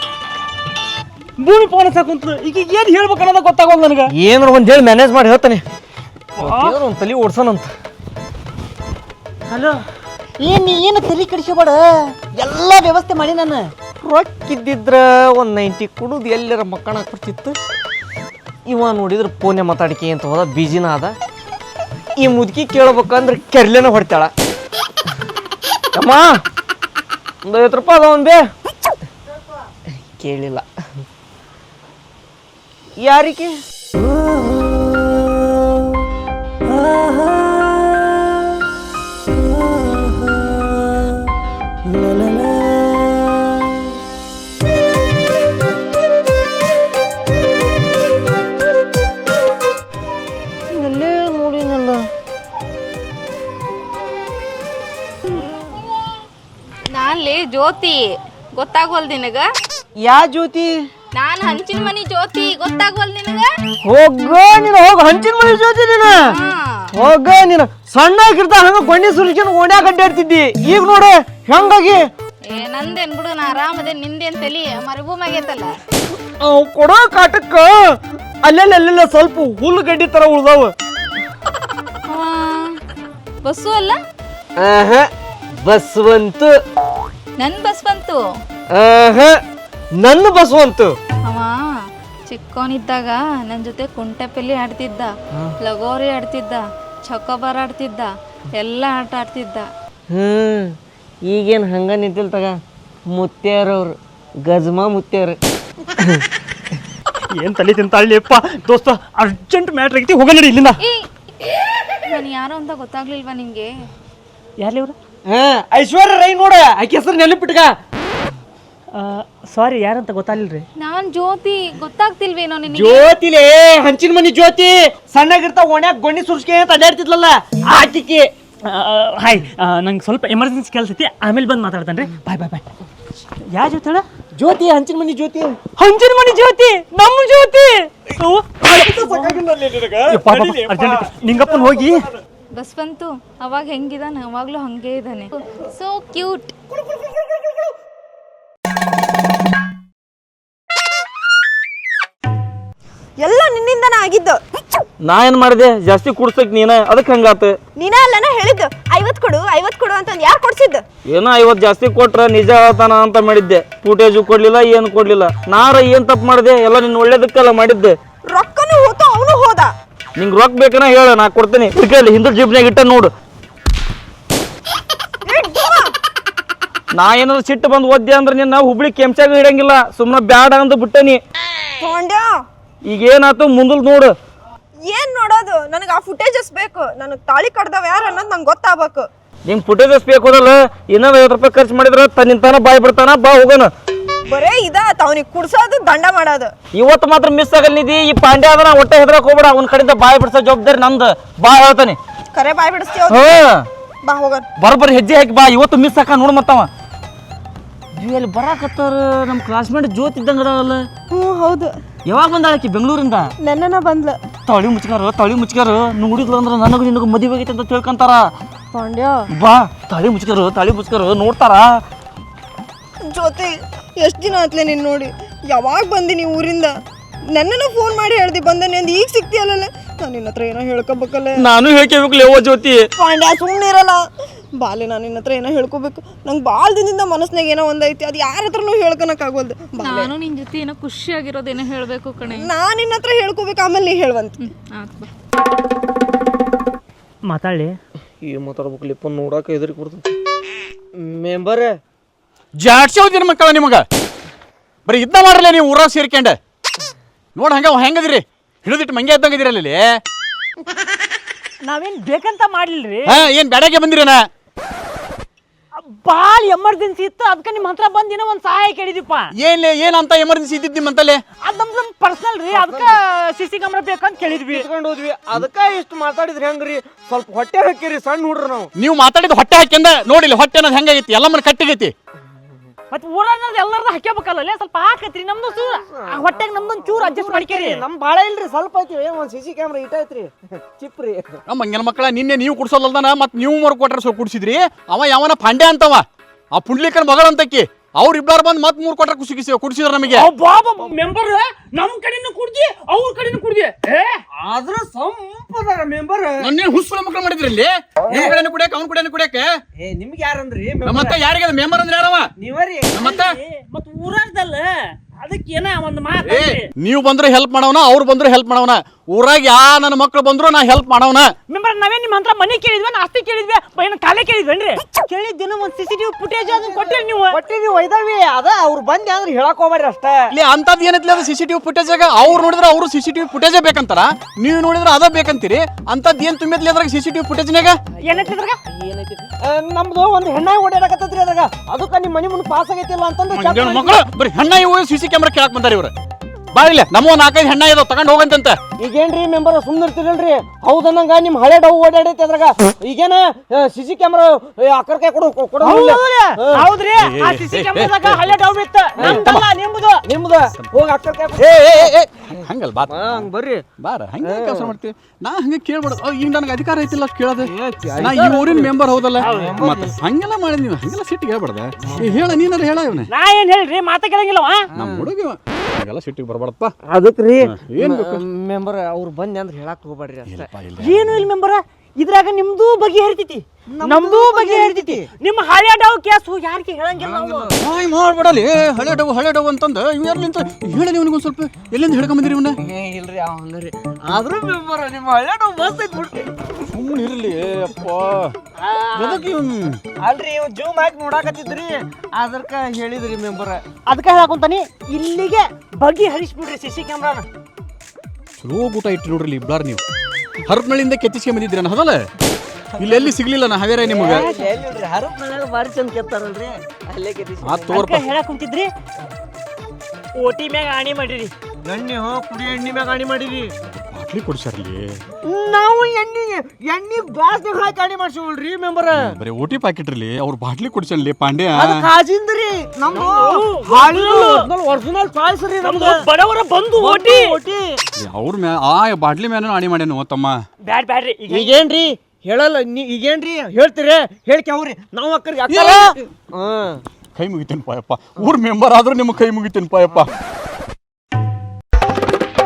ಭೂಮಿ ಫೋನ್ ಹಚ್ಚಕ್ ಕುಂತಲು. ಈಗ ಏನ್ ಹೇಳ್ಬೇಕು ಅನ್ನೋದ ಗೊತ್ತಾಗೋದು ನನಗೆ. ಏನಾರ ಒಂದ್ ಹೇಳಿ ಮ್ಯಾನೇಜ್ ಮಾಡಿ ಹೇಳ್ತಾನೆ. ಒಂದ್ ತಲಿ ಓಡ್ಸೋಣಂತ. ಹಲೋ, ಏನ್ ನೀ ಏನು ತಲೆ ಕೆಡಿಸಬೇಡ, ಎಲ್ಲ ವ್ಯವಸ್ಥೆ ಮಾಡಿ ನಾನು. ರೊಕ್ಕಿದ್ದಿದ್ರ ಒಂದ್ ನೈಂಟಿ ಕುಡುದು ಎಲ್ಲರ ಮಕ್ಕಳ ಬರ್ತಿತ್ತು. ಇವ ನೋಡಿದ್ರೆ ಫೋನೆ ಮಾತಾಡಿಕೆ ಅಂತ ಹೋದ, ಬಿಜಿನ ಅದ. ಈ ಮುದುಕಿ ಕೇಳ್ಬೇಕಂದ್ರೆ ಕೆರ್ಲೆನ ಹೊಡ್ತಾಳ. ಅಮ್ಮ ಒಂದು ಐವತ್ತು ರೂಪಾಯಿ ಅದ ಒಂದ್ ಬೇ. ಕೇಳಿಲ್ಲ. ಯಾರಿಗೆ? ನಾನ್ಲಿ ಜ್ಯೋತಿ, ಗೊತ್ತಾಗೋಲ್ ನಿನಗ? ಯಾ ಜ್ಯೋತಿ? ನಾನ್ ಹಂಚಿನ ಮನಿ ಜ್ಯೋತಿ, ಗೊತ್ತಾಗೋಲ್ ನಿನಗ? ಹೋಗ ನೀನು, ಹೋಗ ಹಂಚಿನ ಮನಿ ಜ್ಯೋತಿ ನೀನು. ಹೋಗ ನೀನು. ಸಣ್ಣಾಗಿರ್ತ ಹಂಗ ಗೊಂಡಿ ಸುರಿಸ್ಕೊಂಡು ಓಣ್ಯಾಗ ಅಡ್ಡಾಡ್ತಿದ್ದಿ. ಈಗ ನೋಡು ಹೆಂಗಾಗಿ. ಏ ನಂದೇನ್ ಬಿಡು, ನಾ ಆರಾಮದೇ. ನಿಂದೇನ್ ತಲಿ ಮರುಭೂಮಾಗೈತಲ್ಲ. ಅವ್ ಕೊಡೋ ಕಾಟಕ್ಕ ಅಲ್ಲೆಲ್ಲ ಅಲ್ಲೆಲ್ಲ ಸ್ವಲ್ಪ ಹುಲ್ಲು ಗಡ್ಡಿ ತರ ಉಳ್ದಾವ. ಬಸ್ಸು ಅಲ್ಲ? ಬಸ್ವಂತು. ನನ್ ಬಸ್ ಬಂತು. ನನ್ನ ಬಸ್ವಂತು. ಅವ ಚಿಕ್ಕವನಿದ್ದಾಗ ನನ್ ಜೊತೆ ಕುಂಟೆಪಲ್ಲಿ ಆಡ್ತಿದ್ದ, ಲಗೋರಿ ಆಡ್ತಿದ್ದ, ಚೊಕೊಬಾರ್ ಆಡ್ತಿದ್ದ, ಎಲ್ಲ ಆಟ ಆಡ್ತಿದ್ದ. ಹ್ಮ್ ಈಗೇನು ಹಂಗ ನಿಂತಿಲ್ ತಗ. ಮುತ್ಯಾರವ್ರು, ಗಜ್ಮಾ ಮುತ್ಯಾರ. ಏನ್ ತಲೆ ತಿಂತಾಳಿಯಪ್ಪ. ದೋಸ್ತ, ಅರ್ಜೆಂಟ್ ಮ್ಯಾಟ್ರ್ ಆಗೈತಿ, ಹೋಗ ನಡಿ ಇಲ್ಲಿಂದ. ನಾನು ಯಾರು ಅಂತ ಗೊತ್ತಾಗ್ಲಿಲ್ವಾ ನಿಮ್ಗೆ? ಯಾರ್ಲಿ ಅವ್ರು? ಹಾ, ಐಶ್ವರ್ಯ ರೈ ನೋಡ, ಆಕೆ ಹೆಸರು ನೆನಪಿಟ್ಕ. ಸಾರಿ, ಯಾರಂತ ಗೊತ್ತಾಗ್ಲಿಲ್ರಿ. ನಾನ್ ಜ್ಯೋತಿ, ಗೊತ್ತಾಗ್ತಿಲ್ವೇನೋ ನಿನಗೆ? ಜ್ಯೋತಿಲೇ, ಹಂಚಿನ ಮನಿ ಜ್ಯೋತಿ. ಸಣ್ಣಗಿರ್ತಾವ ಓಣ್ಯಾಗ ಗೊಂಡಿ ಸುರ್ಸ್ಕೆ ಅಂತ ಅಡ್ಡಾಡ್ತಿದ್ಲಲ್ಲ, ಆಕಿಕೆ. ಹಾಯ್, ನಂಗೆ ಸ್ವಲ್ಪ ಎಮರ್ಜೆನ್ಸಿ ಕೆಲಸ ಐತಿ, ಆಮೇಲೆ ಬಂದು ಮಾತಾಡ್ತಾನೆ ರೀ. ಬಾಯ್ ಬಾಯ್ ಬಾಯ್. ಯಾವ ಜ್ಯೋತಿ ಹೇಳ? ಜ್ಯೋತಿ, ಹಂಚಿನ ಮನಿ ಜ್ಯೋತಿ. ಹಂಚಿನ ಮನಿ ಜ್ಯೋತಿ, ನಮ್ಮ ಜ್ಯೋತಿ. ನಿಂಗಪ್ಪನ ಹೋಗಿ ಬಸ್ ಬಂತು. ಅವಾಗ ಹೆಂಗಿದಾನೆ, ಅವಾಗ್ಲೂ ಹಂಗೆ ಇದ್ದಾನೆ. So cute. ನಿನ್ನಿಂದನ ಆಗಿದ್ದು. ನಾ ಏನ್ ಮಾಡಿದೆ ಜಾಸ್ತಿ ಕುಡ್ಸಕ್ ನೀನ ಅದಕ್ಕೆ ಹಂಗಾತ. ನೀನ ಅಲ್ಲನ ಹೇಳಿದ್ದು ಐವತ್ ಕೊಡು ಐವತ್ ಕೊಡು ಅಂತಂದ್ ಯಾರು ಕೊಡ್ಸಿದ್ದು? ಏನೋ ಐವತ್ ಜಾಸ್ತಿ ಕೊಟ್ರ ನಿಜ ಹೇಳ್ತಾನ ಅಂತ ಮಾಡಿದ್ದೆ. ಫೂಟೇಜು ಕೊಡ್ಲಿಲ್ಲ ಏನು ಕೊಡ್ಲಿಲ್ಲ. ನಾರ ಏನ್ ತಪ್ಪು ಮಾಡಿದೆ? ಎಲ್ಲ ನಿನ್ ಒಳ್ಳೇದಕ್ಕೆಲ್ಲ ಮಾಡಿದ್ದೆ. ರೊಕ್ಕನು ಹೋತು ಅವನು ಹೋದ. ನಿಂಗ್ ರೊಕ್ಕ ಬೇಕನ ಹೇಳ, ನಾ ಕೊಡ್ತೀನಿ. ಇಲ್ಲಿ ಹಿಂದ್ರ ಜೀಬ್ನಾಗ ಇಟ್ಟ ನೋಡು. ನಾ ಏನಾದ್ರು ಸಿಟ್ಟು ಬಂದು ಓದ್ದೆ ಅಂದ್ರೆ ನಿನ್ನ ಹುಬ್ಳಿ ಕೆಂಚಾಗ ಇಡಂಗಿಲ್ಲ. ಸುಮ್ಮನೆ ಬ್ಯಾಡ ಅಂದ್ ಬಿಟ್ಟನಿ. ಈಗ ಏನಾಯ್ತು ಮುಂದಲ್ ನೋಡು. ಏನ್ ನೋಡೋದು? ನನಗೆ ಆ ಫುಟೇಜಸ್ ಬೇಕು. ನನಗೆ ತಾಳಿ ಕಡ್ದವ ಯಾರು ಅನ್ನೋದು ನಂಗೆ ಗೊತ್ತಾಗಬೇಕು. ನಿಂಗೆ ಫುಟೇಜಸ್ ಬೇಕು ಅದಲ್ಲ, ಇನ್ನೊಂದು ಐವತ್ತು ರೂಪಾಯಿ ಖರ್ಚು ಮಾಡಿದ್ರೆ ತನ್ನಿಂತಾನ ಬಾಯ್ ಬಿಡ್ತಾನ. ಬಾ ಹೋಗೋಣ. ಬರೇ ಇದ ಅವನಿಗೆ ಕುಡ್ಸೋದು ದಂಡ ಮಾಡೋದು. ಇವತ್ತು ಮಾತ್ರ ಮಿಸ್ ಆಗಲ್ಲಿದಿ. ಈ ಪಾಂಡ್ಯ ಅದನ್ನ ಹೊಟ್ಟೆ ಹೆದ್ರಕ್ ಹೋಗ್ಬೇಡ. ಅವ್ನ ಕಡೆಯಿಂದ ಬಾಯ್ ಬಿಡ್ಸೋ ಜವಾಬ್ದಾರಿ ನಂದು. ಬಾ ಹೇಳ್ತಾನೆ. ಕರೆ ಬಾಯ್ ಬಿಡಿಸ್ತೀವ. ಬಾ ಹೋಗೋಣ. ಬರೋಬ್ಬರಿ ಹೆಜ್ಜೆ ಹಾಕಿ ಬಾ. ಇವತ್ತು ಮಿಸ್ ಹಾಕ ನೋಡ್ ಮತ್ತವ ಅಲ್ಲಿ ಬರಾಕತ್ತಾರ. ನಮ್ಮ ಕ್ಲಾಸ್ಮೇಟ್ ಜ್ಯೋತಿ ಇದ್ದಂಗ ಅದಾವಲ್ಲ. ಹ್ಞೂ ಹೌದು. ಯಾವಾಗ ಬಂದಾಳಕಿ ಬೆಂಗಳೂರಿಂದ? ನೆನ್ನೆನ ಬಂದ್ಲ. ತಳಿ ಮುಚ್ಕಾರ ತಳಿ ಮುಚ್ಕಾರ ನೋಡಿದ್ಲು ಅಂದ್ರೆ ನನಗೂ ನಿನಗೂ ಮದುವೆ ಆಗೈತೆ ಅಂತ ತಿಳ್ಕೊಂತಾರ. ಪಾಂಡ್ಯ ಬಾ ತಳಿ ಮುಚ್ಕರು ತಳಿ ಮುಚ್ಕರು ನೋಡ್ತಾರ. ಜ್ಯೋತಿ ಎಷ್ಟು ದಿನ ಆತ್ಲೆ ನೀನು ನೋಡಿ? ಯಾವಾಗ ಬಂದಿ ಊರಿಂದ? ನನ್ನನ್ನು ಫೋನ್ ಮಾಡಿ ಹೇಳ್ದಿ ಬಂದನೆ ಅಂದ್ ಈಗ ಸಿಕ್ತಿಯಲ್ಲ. ನಾನು ನಿನ್ನ ಹತ್ರ ಏನೋ ಹೇಳ್ಕೊಬೇಕಲ್ಲ. ನಾನು ಹೇಳ್ಕೋಬೇಕು ಲೇವ ಜ್ಯೋತಿ. ಪಾಂಡ್ಯ ಸುಮ್ಮನೆ ಇರಲ್ಲ. ಬಾಲೆ ನಾನು ನಿನ್ನ ಹತ್ರ ಏನೋ ಹೇಳ್ಕೊಬೇಕು. ನಂಗೆ ಭಾಳ ದಿನದಿಂದ ಮನಸ್ನಾಗ ಏನೋ ಒಂದೈತಿ. ಅದು ಯಾರ ಹತ್ರನೂ ಹೇಳ್ಕೊಳಕ್ ಆಗೋಲ್ದು. ನಾನು ನಿನ್ ಜೊತೆ ಏನೋ ಖುಷಿಯಾಗಿರೋದೇನೋ ಹೇಳ್ಬೇಕು ಕಣೆ. ನಾನು ನಿನ್ನ ಹತ್ರ ಹೇಳ್ಕೊಬೇಕು, ಆಮೇಲೆ ನೀ ಹೇಳುವಂತ. ಮಾತಾಡಿ ಈ ಮಾತಾಡ್ಬೇಕು ಲಿಪ್ಪ ನೋಡಾಕ ಎದುರಿಗೆ ಕೊಡ್ತೈತಿ. ಮೆಂಬರ್ ಜಾಡ್ಸೋದಿನ ಮಕ್ಕಳ ನಿಮಗ ಬರೀ ಇದ್ನ ಮಾಡ್ರಲ್ಲ ನೀವು ಊರಾಗ ಸೇರ್ಕೊಂಡೆ. ನೋಡ ಹಂಗ ಹೆಂಗದಿರಿ? ಹಿಡಿದಿಟ್ಟು ಮಂಗೆ ಇದ್ದಂಗದಿರಿ ಅಲ್ಲಿ. ನಾವೇನ್ ಬೇಕಂತ ಮಾಡ್ಲಿಲ್ರಿ. ಹಾ ಏನ್ ಬ್ಯಾಡಾಗೆ ಬಂದಿರೇನ? ಭಾಳ ಎಮರ್ಜೆನ್ಸಿ ಇತ್ತು, ಅದಕ್ಕೆ ನಿಮ್ಮ ಹತ್ರ ಬಂದಿನ ಒಂದ್ ಸಹಾಯ ಕೇಳಿದಿಪ್ಪ. ಏನ್ ಏನಂತ ಎಮರ್ಜೆನ್ಸಿ ಇದ್ದಿದ್ದು ನಿಮ್ಮಂತಲ್ಲಿ? ಅದ್ ನಮ್ದು ಪರ್ಸನಲ್ ರೀ. ಅದಕ್ಕೆ ಸಿ ಸಿ ಕ್ಯಾಮ್ರಾ ಬೇಕಂತ ಕೇಳಿದ್ವಿ. ಇಟ್ಕೊಂಡು ಹೋದ್ವಿ. ಅದಕ್ಕ ಇಷ್ಟು ಮಾತಾಡಿದ್ರಿ ಹೆಂಗ್ರಿ? ಸ್ವಲ್ಪ ಹೊಟ್ಟೆ ಹಾಕಿರಿ ಸಣ್ಣ ಹುಡ್ರು ನಾವು. ನೀವು ಮಾತಾಡಿದ ಹೊಟ್ಟೆ ಹಾಕ್ಯಂದ ನೋಡಿಲ್ಲ ಹೊಟ್ಟೆ ಅನ್ನೋದು ಹೆಂಗಾಗೈತಿ? ಎಲ್ಲ ಮನೆ ಕಟ್ಟಿಗೈತಿ. ಮತ್ತೆ ಊರಾಗ ಎಲ್ಲಾರ್ದು ಹಾಕ್ಯಬೇಕಲ್ಲ, ಸ್ವಲ್ಪ ಹಾಕತ್ರಿ. ನಮ್ದು ಚೂರು ಹೊಟ್ಟೆಗೆ ನಮ್ದೊಂದು ಚೂರು ಅಡ್ಜಸ್ಟ್ ಮಾಡ್ಕೇರಿ. ನಮ್ ಬಾಳ ಇಲ್ರಿ, ಸ್ವಲ್ಪ ಐತಿ. ಒಂದ್ ಸಿ ಸಿ ಕ್ಯಾಮ್ರಾ ಇಟ್ಟೈತ್ರಿ ಚಿಪ್ರಿ. ನಮ್ಮ ಮಂಗನ ಮಕ್ಕಳ ನಿನ್ನೆ ನೀವು ಕುಡ್ಸೋಲ್ದಾನ ಮತ್ ನೀವು ಮರು ಕೊಟ್ರೆ ಸ್ವಲ್ಪ ಕುಡ್ಸಿದ್ರಿ. ಅವ ಯಾವನ ಪಾಂಡ್ಯ ಅಂತವ, ಆ ಪುಂಡ್ಲಿಕನ್ ಮಗಳಂತಕ್ಕಿ. ಅವ್ರ ಇಬ್ಬರು ಬಂದು ಮತ್ ಮೂರ್ ಕೊಟ್ರೆ ಖುಷಿ ಖುಷಿ ಕುಡ್ಸಿದ್ರ ನಮಗೆ. ಮೆಂಬರ್ ನಮ್ ಕಡೆನೂ ಕುಡ್ದಿ ಅವ್ರ ಕಡೆನೂ ಕುಡ್ದಿ. ಆದ್ರ ಸಂಪದಾರ ಮೆಂಬರ್. ನನ್ನೇನು ಹುಸ್ಸುಳ ಮಕ್ಕಳು ಮಾಡಿದ್ರಿ ಇಲ್ಲಿ? ನಿಮ್ ಕಡೆನೂ ಕುಡಿಯಕ ಅವ್ನ ಕಡೆನೂ ಕುಡಿಯಕ್ಕೆ. ಏ ನಿಮ್ಗೆ ಯಾರಂದ್ರಿ? ನಮ್ಮತ್ತ ಯಾರಿಗೆ ಮೆಂಬರ್ ಅಂದ್ರೆ ಯಾರವ? ನೀವರಿ. ನಮ್ಮತ್ತ ಮತ್ ಊರಾಗ್ದಲ್ಲ ಅದಕ್ಕೆ ಏನ ಒಂದ್ ಮಾತು. ನೀವು ಬಂದ್ರೆ ಹೆಲ್ಪ್ ಮಾಡವನ, ಅವ್ರು ಬಂದ್ರು ಹೆಲ್ಪ್ ಮಾಡವನ. ಊರಾಗ ಯಾ ನನ್ನ ಮಕ್ಳು ಬಂದ್ರು ನಾ ಹೆಲ್ಪ್ ಮಾಡವನ. ಮೆಂಬರ್ ನಾವೇ ನಿಮ್ಮ ಹತ್ರ ಮನಿ ಕೇಳಿದ್ವಿ, ಆಸ್ತಿ ಕೇಳಿದ್ವಿ, ಏನು ಕಾಲೇ ಕೇಳಿದ್ವೇನ್ರಿ? ಕೇಳಿದ್ದೇನು ಒಂದ್ ಸಿ ಸಿ ಟಿವಿ ಫುಟೇಜ್ ಅದನ್ನ ಕೊಟ್ಟಿರಿ ನೀವು. ಕೊಟ್ಟಿರಿ ಒಯ್ದಾವಿ. ಅದ ಅವ್ರು ಬಂದಿ ಅಂದ್ರೆ ಹೇಳಕ್ ಹೋಗ್ಬೇಡ್ರಿ ಅಷ್ಟ. ಇಲ್ಲಿ ಅಂತದ್ ಏನೈತಿ ಅದು ಸಿ ಸಿ ಟಿವಿ ಫುಟೇಜ್ ಆಗ? ಅವ್ರು ನೋಡಿದ್ರೆ ಅವರು ಸಿ ಸಿ ಟಿವಿ ಫುಟೇಜೇ ಬೇಕಂತಾರ, ನೀವು ನೋಡಿದ್ರೆ ಅದ ಬೇಕಂತೀರಿ. ಅಂತದ್ ಏನ್ ತುಂಬಿದ್ಲಿ ಅದ್ರಾಗ ಸಿ ಸಿ ಟಿವಿ ಫುಟೇಜ್ನಾಗ? ಏನೈತಿದ್ರಾಗ? ಏನೈತಿ? ನಮ್ದು ಒಂದ್ ಹೆಣ್ಣಾಗಿ ಓಡಾಡಕತ್ತೈತ್ರಿ ಅದ್ರಾಗ. ಅದಕ್ಕ ನಿಮ್ ಮನಿ ಮುಂದೆ ಪಾಸ್ ಆಗೈತಿಲ್ಲ ಅಂತಂದ್ರೆ ಮಕ್ಕಳು ಬರೀ ಹೆಣ್ಣ ಇವು ಸಿ ಸಿ ಕ್ಯಾಮ್ರಾ ಕೇಳಕ್ ಬಂದಾರ ಇವ್ರು. ಬಾಳಿಲ್ಲ ನಮ್ಮ ನಾಲ್ಕೈದು ಹೆಣ್ಣ ಇದಾವ ತಗೊಂಡ್ ಹೋಗಂತಂತ. ಈಗೇನ್ರಿ ಮೆಂಬರ್ ಸುಮ್ಮನೆ ಇರ್ತಿರಲ್ರಿ? ಹೌದನ್ನಂಗ ನಿಮ್ ಹಳೆ ಡವ್ ಓಡಾಡೈತಿ ಅದ್ರಾಗ. ಈಗೇನ ಸಿ ಸಿ ಕ್ಯಾಮ್ರಾ ಅಕ್ಕರ ಕೈ ಕೊಡು ಕೊಡು. ಹೌದ್ರಿ, ಆ ಸಿ ಸಿ ಕ್ಯಾಮ್ರಾದಾಗ ಹಳೆ ಡವ್ ಇತ್ತು. ನಮ್ದಲ್ಲ ನಿಮ್ದು. ನಿಮ್ದು ಹೋಗಿ ಅಕ್ಕರ ಕೈ. ಏ ಏ ಏ ಹಂಗಲ್ಲ ಬಾ ಹಂಗ ಬರ್ರಿ ಬಾರ ಹಂಗ ಕೆಲಸ ಮಾಡ್ತೀವಿ. ನಾ ಹಂಗ ಕೇಳ್ಬೇಡ. ಈಗ ನನಗೆ ಅಧಿಕಾರ ಐತಿಲ್ಲ ಅಷ್ಟು ಕೇಳೋದು. ನಾ ಈ ಊರಿನ ಮೆಂಬರ್ ಹೌದಲ್ಲ, ಮತ್ತೆ ಹಂಗೆಲ್ಲ ಮಾಡಿದ್ ನೀವು. ಹಂಗೆಲ್ಲ ಸಿಟ್ಟಿಗೆ ಹೇಳ್ಬಾರ್ದ. ಹೇಳ ನೀನಾರ ಹೇಳ ಇವನೇ. ನಾ ಏನ್ ಹೇಳ್ರಿ, ಮಾತಾ ಕೇಳಂಗಿಲ್ಲವ ನಮ್ಮ ಹುಡುಗಿ ಹಂಗೆಲ್ಲ ಸಿಟ್ಟಿಗೆ ಬರ್ಬಾರ್ದಪ್ಪ. ಅದಕ್ರಿ ಏನ್ ಬೇಕು ಮೆಂಬರ್ ಅವ್ರು ಬಂದಿ ಅಂದ್ರೆ ಹೇಳಕ್ ಹೋಗ್ಬೇಡ್ರಿ ಅಷ್ಟೇ. ಏನು ಇಲ್ಲ ಮೆಂಬರ, ಇದ್ರಾಗ ನಿಮ್ದು ಬಗ್ಗೆ ಹರಿತೈತಿ, ನಮ್ದು ಬಗ್ಗೆ ಹರಿತೈತಿ. ನಿಮ್ಮ ಹಳೆ ಡವ್ ಕೇಸು ಯಾರಿಗೆ ಹೇಳಂಗಿಲ್ಲ ನಾವು. ಹಾಯ್ ಮಾಡ್ಬೇಡಲಿ. ಹಳೆ ಡವ್ ಹಳೆ ಡವ್ ಅಂತಂದ ಇವ್ ಯಾರ್ಲಿಂತ ಹೇಳಿ ನೀವು ಒಂದ್ ಸ್ವಲ್ಪ. ಎಲ್ಲಿಂದ ಹೇಳ್ಕೊಂಡ್ ಬಂದಿರಿ ಇವನ್ನ? ಇಲ್ರಿ ಅವ ಹಂಗ್ರಿ. ಆದ್ರೂ ಮೆಂಬರ್ ನಿಮ್ಮ ಹಳೆ ಡವ್ ಮಸ್ತ್ ಐತಿ ಬಿಡ್ರಿ. ಸುಮ್ಮನೆ ಇರ್ಲಿ ಅಪ್ಪ. ಅಲ್ರಿ ಇವ್ ಜೂಮ್ ಹಾಕಿ ನೋಡಾಕತ್ತಿದ್ರಿ, ಅದಕ್ಕ ಹೇಳಿದ್ರಿ ಮೆಂಬರ್. ಅದಕ್ಕೆ ಹೇಳಕೊಂತಾನಿ, ಇಲ್ಲಿಗೆ ಬಗೆ ಹರಿಸ್ಬಿಡ್ರಿ ಸಿ ಸಿ ಕ್ಯಾಮ್ರಾನ. ಚಲೋ ಊಟ ಇಟ್ಟು ನೋಡ್ರಿ ಇಬ್ಬರು ನೀವು. ಹರಪನಳ್ಳಿಯಿಂದ ಕೆತ್ತಿಸ್ಕೊಂಡ್ ಬಂದಿದ್ರಿ ನಾನು ಹೌದಲ್ಲ? ಇಲ್ಲೆಲ್ಲಿ ಸಿಗ್ಲಿಲ್ಲ ನಾ ಹಾವೇರ ನಿಮ್ಗೆ. ಹರಪ್ ಮನ್ಯಾಗ ಬಾರಿ ಚಂದ ಕೆತ್ತಾರಲ್ರಿ, ಅಲ್ಲೇ ಕೆತ್ತಿಸಿ. ಆ ತೋರ್ಪ ಹೇಳಕ್ ಕುಂತಿದ್ರಿ, ಓಟಿ ಮ್ಯಾಗ ಆಣಿ ಮಾಡಿರಿ. ಎಣ್ಣೆ ಹೋ ಕುಡಿ ಎಣ್ಣೆ ಮ್ಯಾಗ ಆಣಿ ಮಾಡಿರಿ. ಬಾಟ್ಲಿ ಕೊಡ್ಸಾರ್ಲಿ. ನಾವು ಎಣ್ಣೆ ಎಣ್ಣೆ ಗ್ಲಾಸ್ನಾಗ ಹಾಕಿ ಆಣಿ ಮಾಡ್ಸಿವಲ್ರಿ ಮೆಂಬರ್. ಬರೀ ಓಟಿ ಪ್ಯಾಕೆಟ್ ಇರ್ಲಿ, ಅವ್ರು ಬಾಟ್ಲಿ ಕೊಡ್ಸನ್ಲಿ ಪಾಂಡ್ಯ. ಅದು ಕಾಜಿಂದ್ರಿ ನಮ್ದು ಒರಿಜಿನಲ್ ಚಾಯ್ಸ್ ರೀ ನಮ್ದು. ಬಡವರ ಬಂದು ಓಟಿ ಓಟಿ ಅವ್ರ ಮ್ಯಾ ಆ ಬಾಟ್ಲಿ ಮ್ಯಾನ ಆಣಿ ಮಾಡ್ಯಾನು ತಮ್ಮ. ಬ್ಯಾಡ್ ಬ್ಯಾಡ್ರಿ. ಈಗೇನ್ರಿ ಹೇಳಲ್ಲ ನೀ ಈಗೇನ್ರಿ ಹೇಳ್ತೀರಿ ಹೇಳ್ಕೆ ಅವ್ರಿ ನಾವು ಅಕ್ಕರಿಗೆ ಅಕ್ಕ ಕೈ ಮುಗಿತೇನೆ ಪಾಯಪ್ಪ. ಊರ್ ಮೆಂಬರ್ ಆದ್ರೂ ನಿಮ್ಗೆ ಕೈ ಮುಗಿತೇನೆ ಪಾಯಪ್ಪ.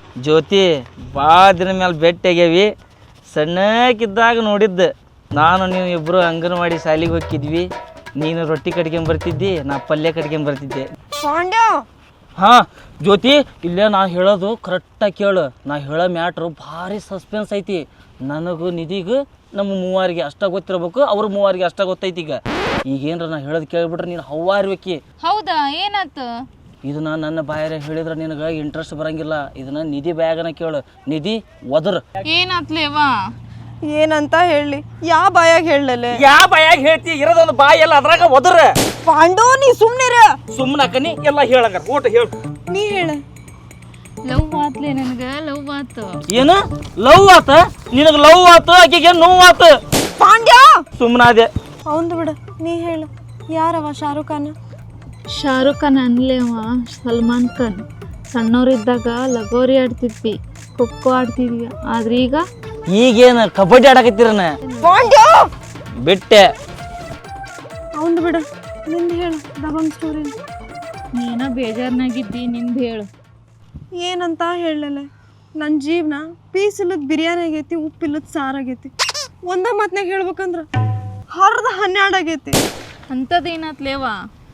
ಜ್ಯೋತಿ ಭಾಳ ದಿನ ಮೇಲೆ ಭೇಟಿಯಾಗ್ಯಾವಿ. ಸಣ್ಣಕ್ಕಿದ್ದಾಗ ನೋಡಿದ್ದು ನಾನು ನೀವು ಇಬ್ಬರು ಅಂಗನವಾಡಿ ಶಾಲೆಗೆ ಹೋಗಿದ್ವಿ. ನೀನು ರೊಟ್ಟಿ ಕಟ್ಕೊಂಬರ್ತಿದ್ದಿ, ನಾ ಪಲ್ಯ ಕಟ್ಕೊಂಬರ್ತಿದ್ದೆ. ಪಾಂಡ್ಯ ಹಾಂ ಜ್ಯೋತಿ, ಇಲ್ಲೇ ನಾ ಹೇಳೋದು ಕರೆಕ್ಟಾಗಿ ಕೇಳು. ನಾ ಹೇಳೋ ಮ್ಯಾಟ್ರು ಭಾರಿ ಸಸ್ಪೆನ್ಸ್ ಐತಿ. ನನಗೂ ನಿಧಿಗೂ ನಮ್ಮ ಮೂವರಿಗೆ ಅಷ್ಟ ಗೊತ್ತಿರ್ಬೇಕು, ಅವ್ರ ಮೂವರಿಗೆ ಅಷ್ಟ ಗೊತ್ತೈತಿ. ಈಗ ಈಗೇನ್ರ ನಾ ಹೇಳೋದು ಕೇಳ್ಬಿಟ್ರೆ ನೀನು ಹವ್ವಾರ್ಬೇಕಿ. ಹೌದಾ, ಏನಾತು? ಇದನ್ನ ನನ್ನ ಬಾಯಾರ ಹೇಳಿದ್ರೆ ನಿನಗೆ ಇಂಟ್ರೆಸ್ಟ್ ಬರಂಗಿಲ್ಲ. ಇದನ್ನ ನಿಧಿ ಬಾಯಾಗನ ಕೇಳು. ನಿಧಿ ಒದರ್. ಏನಾತ್ಲೇವಾ? ಏನಂತ ಹೇಳಿ, ಯಾ ಬಾಯಾಗ ಹೇಳಲೆ? ಯಾವ ಬಾಯಾಗ ಹೇಳ್ತಿ? ಇರೋದೊಂದು ಬಾಯಿ ಎಲ್ಲ ಅದ್ರಾಗ ಒದರ. ಪಾಂಡು ನೀ ಸುಮ್ನಿರ. ಸುಮ್ಮನೆ ಅಕ್ಕನಿ ಎಲ್ಲ ಹೇಳಂಗ ಊಟ ಹೇಳು. ನೀ ಹೇಳ. ಲವ್ ಆತ್ಲೆ ನನಗ, ಲವ್ ಆತು. ಏನು ಲವ್ ಆತ? ನಿನಗೆ ಲವ್ ಆತು, ಆಕೆಗೆ ನೋವು ಆತು. ಪಾಂಡ್ಯ ಸುಮ್ಮನಾದೆ. ಅವಂದು ಬಿಡ, ನೀ ಹೇಳ. ಯಾರವ ಶಾರುಖ್ ಖಾನ್? ಶಾರುಖ್ ಖಾನ್ ಅನ್ಲೇವ ಸಲ್ಮಾನ್ ಖಾನ್. ಸಣ್ಣವರಿದ್ದಾಗ ಲಗೋರಿ ಆಡ್ತಿದ್ವಿ, ಖೋಖೋ ಆಡ್ತಿದ್ವಿ. ಆದ್ರೆ ಈಗ ಈಗೇನು ಕಬಡ್ಡಿ ಆಡಕತ್ತೀರನ? ಪಾಂಡ್ಯ ಬಿಟ್ಟೆ. ಅವಂದು ಬಿಡ, ನಿಂದು ಹೇಳು. ದಬಂಗ್ ಸ್ಟೋರಿ. ನೀನ ಬೇಜಾರ್ನಾಗಿದ್ದಿ, ನಿಂದು ಹೇಳು. ಏನಂತ ಹೇಳಲೆ? ನನ್ನ ಜೀವನ ಪೀಸ್ ಇಲ್ಲದ ಬಿರಿಯಾನಿ ಆಗೈತಿ, ಉಪ್ಪಿಲ್ಲದ ಸಾರು ಆಗೈತಿ. ಒಂದ ಮಾತ್ನಾಗ ಹೇಳ್ಬೇಕಂದ್ರ ಹರ್ದ ಹನ್ನೆರಡು ಆಗೈತಿ. ಅಂಥದ್ದೇನಾತ್ಲೇವಾ?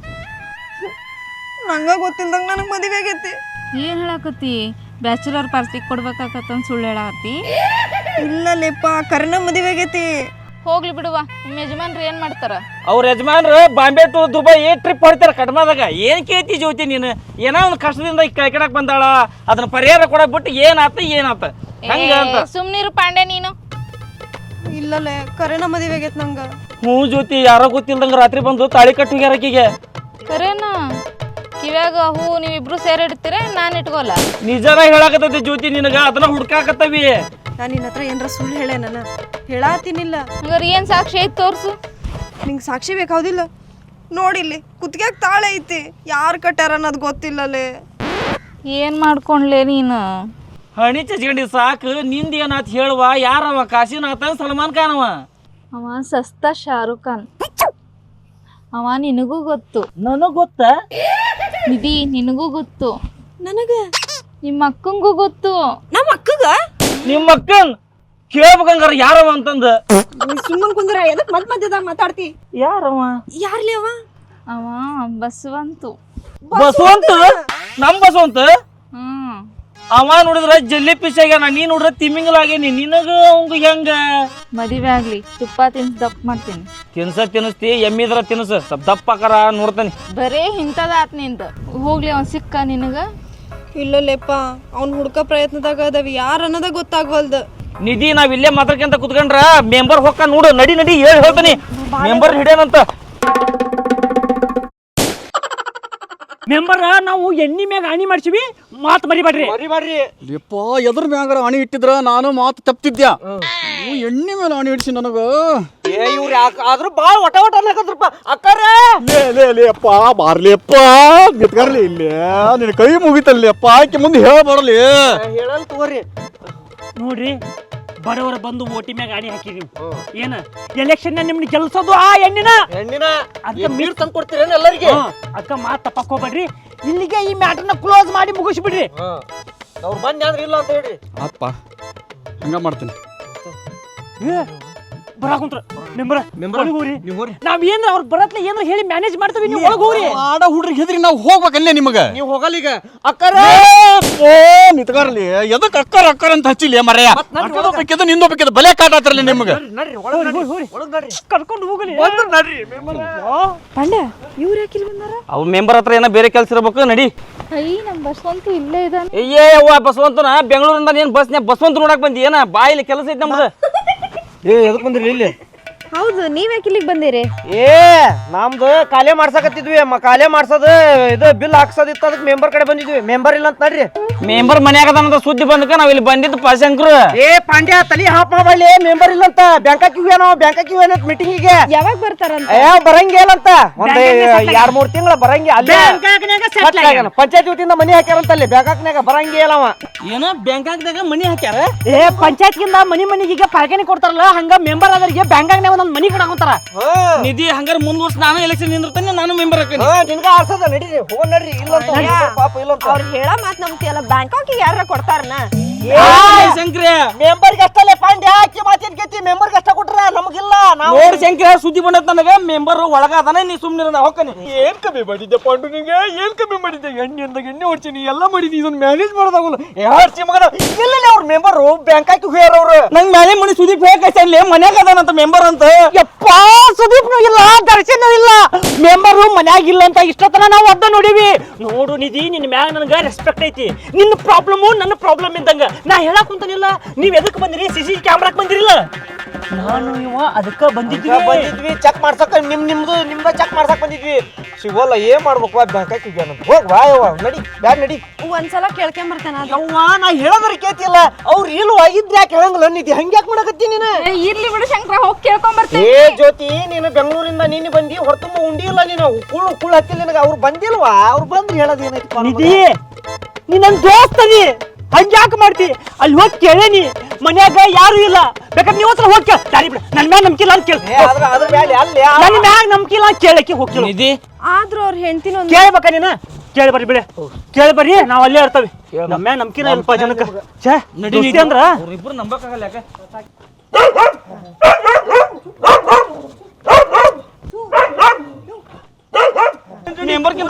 ನಂಗ ಗೊತ್ತಿಲ್ದಂಗ ನನಗೆ ಮದುವೆ ಆಗೈತಿ. ಏನು ಹೇಳಕತ್ತಿ? ಬ್ಯಾಚುಲರ್ ಪಾರ್ಟಿ ಕೊಡ್ಬೇಕಾಕತ್ತಂತ ಸುಳ್ಳು ಹೇಳಕತ್ತಿ? ಇಲ್ಲ ಲೇಪ, ಕರೆನ ಮದುವೆ ಆಗೈತಿ. ಹೋಗ್ಲಿ ಬಿಡುವ, ನಿಮ್ಮ ಯಜಮಾನ್ರು ಏನು ಮಾಡ್ತಾರ? ಅವ್ರ ಯಜಮಾನ್ರು ಬಾಂಬೆ ಟು ದುಬೈ ಟ್ರಿಪ್ ಹೊಡಿತಾರ ಕಡಿಮೆದಾಗ. ಏನು ಕೇಳ್ತಿ ಜ್ಯೋತಿ ನೀನು? ಏನೋ ಒಂದು ಕಷ್ಟದಿಂದ ಕೆಳಕಡಕ್ ಬಂದಾಳ, ಅದನ್ನ ಪರಿಹಾರ ಕೊಡಕ್ ಬಿಟ್ಟು ಏನಾತ ಏನಾತ ಹಂಗ ಅಂತ. ಸುಮ್ನಿರು ಪಾಂಡೆ ನೀನು. ಇಲ್ಲಲೇ, ಕರೆನ ಮದುವೆ ಆಗೈತಿ ನಂಗ. ಹ್ಞೂ ಜ್ಯೋತಿ, ಯಾರೋ ಗೊತ್ತಿಲ್ದಂಗ ರಾತ್ರಿ ಬಂದು ತಾಳಿ ಕಟ್ಟುಗ್ಯಾರ ಆಕಿಗೆ. ಕರೇನಾ? ಕಿವ್ಯಾಗ ಹೂ ನೀವಿಬ್ರು ಸೇರಿ ಇಡ್ತೀರ, ನಾನು ಇಟ್ಕೋಲ್ಲ. ನಿಜನ ಹೇಳಾಕತ್ತೈತಿ ಜ್ಯೋತಿ ನಿನಗ, ಅದನ್ನ ಹುಡ್ಕಾಕತ್ತವಿ. ನಾನು ನಿನ್ನ ಹತ್ರ ಏನಾರ ಸುಳ್ಳು ಹೇಳೇ? ನಾನು ಹೇಳಾತೀನಿಲ್ಲ. ಹಂಗಾರೆ ಏನು ಸಾಕ್ಷಿ ಐತೆ ತೋರ್ಸು. ನಿಂಗೆ ಸಾಕ್ಷಿ ಬೇಕಾವುದಿಲ್ಲ? ನೋಡಿಲ್ಲಿ ಕುತ್ತಿಗ್ಯಾಗ ತಾಳೆ ಐತಿ, ಯಾರು ಕಟ್ಟಾರ ಅನ್ನೋದು ಗೊತ್ತಿಲ್ಲಲೇ. ಏನು ಮಾಡ್ಕೊಂಡ್ಲೆ ನೀನು? ಹಣಿ ಚಚ್ಕೊಂಡಿ ಸಾಕು. ನಿಂದ ಏನಾತ್ ಹೇಳುವ? ಯಾರವ? ಕಾಶಿನಾಥ ಸಲ್ಮಾನ್ ಖಾನ್ ಅವ? ಅವ ಸಸ್ತಾ ಶಾರುಖ್ ಖಾನ್. ಅವ ನಿನಗೂ ಗೊತ್ತು. ನನಗ್ ಗೊತ್ತ. ನಿಧಿ ನಿನಗೂ ಗೊತ್ತು. ನನಗ ನಿಮ್ಮ ಅಕ್ಕಂಗೂ ಗೊತ್ತು. ನಮ್ಮ ಅಕ್ಕಗ ನಿಮ್ಮ ಅಕ್ಕನ್ ಕೇಳ್ಬೇಕಂಗಾರ ಯಾರವ ಅಂತಂದ. ಸುಮ್ಮನ್ ಕುಂದ್ರ, ಎದಕ್ ಮತ್ ಮಧ್ಯದಾಗ ಮಾತಾಡ್ತಿ? ಯಾರವ? ಯಾರ್ಲಿ ಅವ? ಅವ ಬಸವಂತು. ಬಸವಂತ? ನಮ್ ಬಸವಂತ? ಹ್ಮ್. ಅವ ನೋಡಿದ್ರ ಜಲ್ಲಿ ಪಿಸ್ ಆಗ್ಯಾನ, ನೀ ನೋಡಿದ್ರ ತಿಮ್ಮಿಂಗಲಾಗೇನಿ. ನಿನಗ ಅವಂಗ ಹೆಂಗ? ಮದುವೆ ಆಗ್ಲಿ, ತುಪ್ಪ ತಿನ್ಸ್ ದಪ್ಪ ಮಾಡ್ತೀನಿ. ತಿನ್ಸ ತಿನ್ಸ್ತಿ, ಎಮ್ಮಿದ್ರ ತಿನ್ಸ, ಸ್ವಲ್ಪ ದಪ್ಪ ಆಕಾರ ನೋಡ್ತಾನೆ. ಬರೇ ಇಂಥದ ಆತ್ ನಿಂದ. ಹೋಗ್ಲಿ, ಅವ್ನು ಸಿಕ್ಕ ನಿನಗ? ಇಲ್ಲಲೇಪ್ಪ, ಅವ್ನ ಹುಡ್ಕ ಪ್ರಯತ್ನದಾಗ ಅದಾವ, ಯಾರ ಅನ್ನೋದ ಗೊತ್ತಾಗ್ವಲ್ದ. ನಿಧಿ, ನಾವ್ ಇಲ್ಲೇ ಮಾತಾಡ್ಕೊಂತ ಕುತ್ಕೊಂಡ್ರ ಮೆಂಬರ್ ಹೊಕ್ಕ ನೋಡು. ನಡಿ ನಡಿ ಹೇಳಿ ಹೇಳ್ತಾನಿ, ಮೆಂಬರ್ ಹಿಡಿಯನಂತ. ಮೆಂಬರ್ ನಾವು ಎಣ್ಣಿ ಮ್ಯಾಗ ಆಣಿ ಮಾಡ್ಸಿವಿ, ಮಾತು ಮರಿಬೇಡ್ರಿ. ಲಿಪ್ಪ ಎದ್ರ ಮ್ಯಾಗಾರ ಅಣಿ ಇಟ್ಟಿದ್ರ ನಾನು ಮಾತು ತಪ್ತಿದ್ಯಾ. ಎಣ್ಣೆ ಮೇಲೆ ಅಣಿ ಇಡ್ಸಿ ನನಗ. ಆದ್ರೂ ಭಾಳ ಒಟ ಒಟ ಅನ್ಲಕತ್ರಪ್ಪ ಅಕ್ಕಾರ. ಲೇ ಲೇ ಲೇಪ್ಪ, ಬಾರ್ಲಿಯಪ್ಪ, ನಿತ್ಕರ್ಲಿ ಇಲ್ಲಿ. ನಿನ್ನ ಕೈ ಮುಗಿತಲ್ಲಪ್ಪ, ಆಕೆ ಮುಂದೆ ಹೇಳಬಾರಲಿ. ಹೇಳಲ್ ತಗೋರಿ. ನೋಡ್ರಿ, ಬಡವರ ಬಂದು ಓಟಿ ಮ್ಯಾಗ ಆಣಿ ಹಾಕಿ ನೀವು ಏನ ಎಲೆಕ್ಷನ್ ನಿಮ್ನ ಗೆಲ್ಸೋದು ಆ ಎಣ್ಣಿನ ಹೆಣ್ಣಿನ ಅದಕ್ಕೆ ನೀರು ತಂದು ಕೊಡ್ತೀರೇನು ಎಲ್ಲರಿಗೆ? ಅದಕ್ಕೆ ಮಾತು ತಪ್ಪಕ್ಕೋಬೇಡ್ರಿ. ಇಲ್ಲಿಗೆ ಈ ಮ್ಯಾಟರ್ನ ಕ್ಲೋಸ್ ಮಾಡಿ ಮುಗಿಸ್ಬಿಡ್ರಿ. ಅವ್ರು ಬಂದ್ ಅಂದ್ರೆ ಇಲ್ಲ ಅಂತ ಹೇಳ್ರಿ. ಅಪ್ಪ ಹಂಗ ಮಾಡ್ತೀನಿ. ಬರಾಕುಂತ್ರ ಮೆಂಬರ್ ಮೆಂಬರ್ ಹೋಗ್ರಿ. ನೀವು ಹೋಗ್ರಿ. ನಾವ್ ಏನ್ರ ಅವ್ರ ಬರತ್ಲೆ ಏನ್ರ ಹೇಳಿ ಮ್ಯಾನೇಜ್ ಮಾಡ್ತೀವಿ, ನೀವು ಒಳಗೆ ಹೋಗ್ರಿ. ಆಡ ಹುಡ್ರಿಗೆ ಹೆದ್ರಿ ನಾವು ಹೋಗ್ಬೇಕಲ್ಲೇ ನಿಮಗ. ನೀವು ಹೋಗಲ್ಲ ಈಗ ಅಕ್ಕಾರ. ಓ ನಿತ್ಕರ್ಲಿ, ಎದಕ್ ಅಕ್ಕರ ಅಕ್ಕರ ಅಂತ ಹಚ್ಚಿಲ್ಲ ಮರ್ಯ. ಬೇಕಿದ್ದು ನಿಂದು ಬೇಕಿದ್ದು ಬಲೆ ಕಾಟ ಆತ್ರಲ್ಲ ನಿಮಗ. ನಡ್ರಿ ಒಳಗ್ ನಡ್ರಿ, ಒಳಗ್ ನಡ್ರಿ. ಕರ್ಕೊಂಡು ಹೋಗಲಿ. ನಡ್ರಿ ಮೆಂಬರ್. ಪಾಂಡ್ಯ, ಇವ್ರು ಯಾಕೆ ಇಲ್ಲಿ ಬಂದಾರ? ಅವ್ ಮೆಂಬರ್ ಹತ್ರ ಏನೋ ಬೇರೆ ಕೆಲ್ಸ ಇರ್ಬೇಕು. ನಡಿ. ಅಯ್ಯ, ನಮ್ಮ ಬಸವಂತು ಇಲ್ಲೇ ಇದ್ದಾನೆ. ಅಯ್ಯೇ ಅವ್ವ, ಬಸವಂತನ ಬೆಂಗಳೂರಿಂದ ನೀನ್ ಬಸ್ನ್ಯಾಗ ಬಸವಂತ ನೋಡಕ್ ಬಂದಿ ಏನ? ಬಾಯಿಲಿ ಕೆಲಸ ಐತಿ ನಮ್ದು. ಏ ಎದಕ್ ಬಂದ್ರಿ ಇಲ್ಲಿ? ಹೌದು, ನೀವ್ಯಾಕೆ ಇಲ್ಲಿಗೆ ಬಂದಿರಿ? ಏ ನಮ್ದು ಕಾಲೇ ಮಾಡ್ಸಕತ್ತಿದ್ವಿ. ಕಾಲೇ ಮಾಡ್ಸೋದು ಇದು ಬಿಲ್ ಹಾಕ್ಸೋದಿತ್ತು, ಅದಕ್ಕೆ ಮೆಂಬರ್ ಕಡೆ ಬಂದಿದ್ವಿ. ಮೆಂಬರ್ ಇಲ್ಲ ಅಂತ ನಡ್ರಿ. ಮೆಂಬರ್ ಮನ್ಯಾಗ ಅದಾನಂತ ಸುದ್ದಿ ಬಂದಕ ನಾವ್ ಇಲ್ಲಿ ಬಂದಿದ್ದು ಪಾಶಂಕರು. ಏ ಪಾಂಡ್ಯ, ತಲಿ ಹಾಪ್ ಮಾಡಲಿ. ಮೆಂಬರ್ ಇಲ್ಲ ಅಂತ ಬ್ಯಾಂಕಾಕ್ ಇವೇನೋ ಬ್ಯಾಂಕಾಕ್ ಇವೇನೋ ಮೀಟಿಂಗಿಗೆ ಯಾವಾಗ ಬರ್ತಾರಂತ? ಏ ಬರಂಗಿಲ್ಲ ಅಂತ ಒಂದ್ ಎರಡ್ ಮೂರ್ ತಿಂಗಳ ಬರಂಗಿ. ಅಲ್ಲೇ ಪಂಚಾಯತ್ ವತಿಯಿಂದ ಮನಿ ಹಾಕ್ಯಾರಂತ ಅಲ್ಲಿ ಬ್ಯಾಂಕಾಕ್ನಾಗ. ಬರಂಗಿಲ್ಲ ಅವ. ಏನೋ ಬ್ಯಾಂಕಾಕ್ದಾಗ ಮನಿ ಹಾಕ್ಯಾರ. ಏ ಪಂಚಾಯತ್ಗಿಂದ ಮನಿ ಮನಿಗೆ ಪಾಲ್ಕಾನಿ ಕೊಡ್ತಾರಲ್ಲ, ಹಂಗ ಮೆಂಬರ್ ಆದರಿಗೆ ಬ್ಯಾಂಕಾಗ್ನಾಗ ನನ್ನ ಮನಿ ಕಡೆ ಹೋಗ್ತಾರ. ನಿಧಿ ಹಂಗಾರ ಮುಂದ್ವರ್ಸ್ ನಾನು ಎಲೆಕ್ಷನ್ ನಿಂದಿರ್ತಾನೆ, ನಾನು ಮೆಂಬರ್ ಹಾಕಿ. ನಿನ್ಗ ಆರ್ಸದ ನಡೀರಿ ಹೋಗ ನಡ್ರಿ. ಇಲ್ಲ ಪಾಪ ಇಲ್ಲ ಅವ್ರು ಹೇಳ ಮಾತ್ ನಂಬ್ತಿಯಲ್ಲ, ಬ್ಯಾಂಕಾಕಿಗೆ ಯಾರ ಕೊಡ್ತಾರನ? ಶಂಕ್ರೆ ಮೆಂಬರ್ಗೆ ಅಷ್ಟಲ್ಲೇ ಪಾಂಡ್ಯ ಹಾಕಿ ಮಾತೇನ್ ಕೇತಿ. ಮೆಂಬರ್ಗೆ ಅಷ್ಟ ಕೊಟ್ರ ನಮಗಿಲ್ಲ. ನಾವು ನೋಡ್ ಶಂಕ್ರೆ ಸುದ್ದಿ ಬಂದತ್ ನನಗೆ, ಮೆಂಬರ್ ಒಳಗ ಅದಾನ, ನೀ ಸುಮ್ನಿರ ಹೋಗ್ತಾನೆ. ಏನ್ ಕಮ್ಮಿ ಮಾಡಿದ್ದೆ ಪಾಂಡು ನಿಂಗೆ? ಏನ್ ಕಮ್ಮಿ ಮಾಡಿದ್ದೆ? ಎಣ್ಣೆ ಅಂದಾಗ ಎಣ್ಣೆ ಹೊಡ್ತೀನಿ, ಎಲ್ಲ ಮಾಡಿದ್ದಿ, ಇದನ್ನ ಮ್ಯಾನೇಜ್ ಮಾಡೋದಾಗಲ್ಲ. ಯಾರ್ಸಿ ಮಗನ ಇಲ್ಲ ಅವ್ರ ಮೆಂಬರ್ ಬ್ಯಾಂಕ್ ಹಾಕಿ ಹೋಗ್ಯಾರ ಅವ್ರು. ನಂಗ್ ಮ್ಯಾಲೆ ಮನಿ ಸುದೀಪ್ ಹೇಳಿ ಮನ್ಯಾಗ ಅದಾನಂತ ಮೆಂಬರ್ ಅಂತ. ಯಪ್ಪ ಸುದೀಪ್ನು ಇಲ್ಲ, ದರ್ಶನ ಇಲ್ಲ, ಮೆಂಬರು ಮನ್ಯಾಗ ಇಲ್ಲ ಅಂತ ಇಷ್ಟತನ ನಾವು ಅದ್ದ ನೋಡಿವಿ. ನೋಡು ನಿಧಿ, ನಿನ್ ಮ್ಯಾಗ ನನಗ ರೆಸ್ಪೆಕ್ಟ್ ಐತಿ. ನಿನ್ನ ಪ್ರಾಬ್ಲಮು ನನ್ನ ಪ್ರಾಬ್ಲಮ್ ಇದ್ದಂಗ. ನಾ ಹೇಳಕ್ ಕುಂತಾನಿಲ್ಲ, ನೀವ್ ಎದಕ್ ಬಂದಿರಿ? ಸಿ ಸಿ ಕ್ಯಾಮ್ರಾಕ್ ಬಂದಿರಿಲ್ಲ. ನಾನು ಇವ ಅದಕ್ಕ ಬಂದಿದ್ವಿ ಬಂದಿದ್ವಿ ಚೆಕ್ ಮಾಡ್ಸಕ್. ನಿಮ್ ನಿಮ್ದು ನಿಮ್ದ ಚೆಕ್ ಮಾಡ್ಸಕ್ ಬಂದಿದ್ವಿ. ಸಿಗೋಲ್ಲ, ಏನ್ ಮಾಡ್ಬೇಕು? ಬ್ಯಾಂಕ್ ಹಾಕಿ ಹೋಗ್ಯಾನ. ಹೋಗ್ ಬಾ ಯವ್ವ, ನಡಿ ಬ್ಯಾಡ್ ನಡಿ. ಒಂದ್ಸಲ ಕೇಳ್ಕೊಂಬರ್ತಾನ. ಯವ್ವ ನಾ ಹೇಳೋದ್ರ ಕೇತಿಲ್ಲ. ಅವ್ರು ಇಲ್ವಾ ಇದ್ರೆ ಯಾಕೆ ಹೇಳಂಗಿಲ್ಲ? ನಿಧಿ ಹಂಗ್ಯಾಕ್ ಮಾಡಕತ್ತಿ ನೀನು? ಇರ್ಲಿ ಬಿಡು ಶಂಕರ, ಹೋಗಿ ಕೇಳ್ಕೊಂಬರ್ತೀನಿ. ಏ ಜ್ಯೋತಿ, ನೀನು ಬೆಂಗಳೂರಿಂದ ನೀನು ಬಂದಿ, ಹೊರತುಂಬ ಉಂಡಿ ಇಲ್ಲ ನೀನು. ಕುಳ್ಳು ಕುಳ್ಳು ಹತ್ತಿಲ್ಲ ನಿನಗೆ. ಅವ್ರು ಬಂದಿಲ್ವಾ? ಅವ್ರು ಬಂದ್ರೆ ಹೇಳೋದು ಏನೈತಿ? ನಿಧಿ, ನೀ ನನ್ ದೋಸ್ತದಿ, ಹಂಗ್ಯಾಕ ಮಾಡ್ತಿ? ಅಲ್ಲಿ ಹೋಗಿ ಕೇಳೇನಿ, ಮನ್ಯಾಗ ಯಾರು ಇಲ್ಲ. ಬೇಕಾದ್ರೆ ನೀವು ಹತ್ರ ಹೋಗಿ ದಾರಿ ಬಿಡ. ನನ್ ಮ್ಯಾಗ ನಂಬಿಕೆ ಇಲ್ಲ ಅಂತ ಕೇಳ. ಅದ್ರ ಮೇಲೆ ಅಲ್ಲಿ ನನ್ ಮ್ಯಾಗ ನಂಬಿಕೆ ಇಲ್ಲ ಅಂತ ಕೇಳಕ್ಕೆ ಹೋಗಿ ನಿಧಿ ಆದ್ರೂ ಅವ್ರ ಹೆಂಡತಿನ ಕೇಳ್ಬೇಕ ನೀನು? ಕೇಳಿ ಬರ್ರಿ ಬಿಡ, ಕೇಳಿ ಬರ್ರಿ, ನಾವ್ ಅಲ್ಲೇ ಇರ್ತವಿ. ನಮ್ಮ ಮ್ಯಾಗ ನಂಬಿಕೆನ ಇಲ್ಪ ಜನಕ್ಕ. ಛೇ ನಡಿ ಅಂದ್ರ ಅವ್ರಿಬ್ರು ನಂಬಕ್ಕಾಗಲ್ಲ. ಯಾಕೆ ಮೆಂಬರ್ಗಿಂತ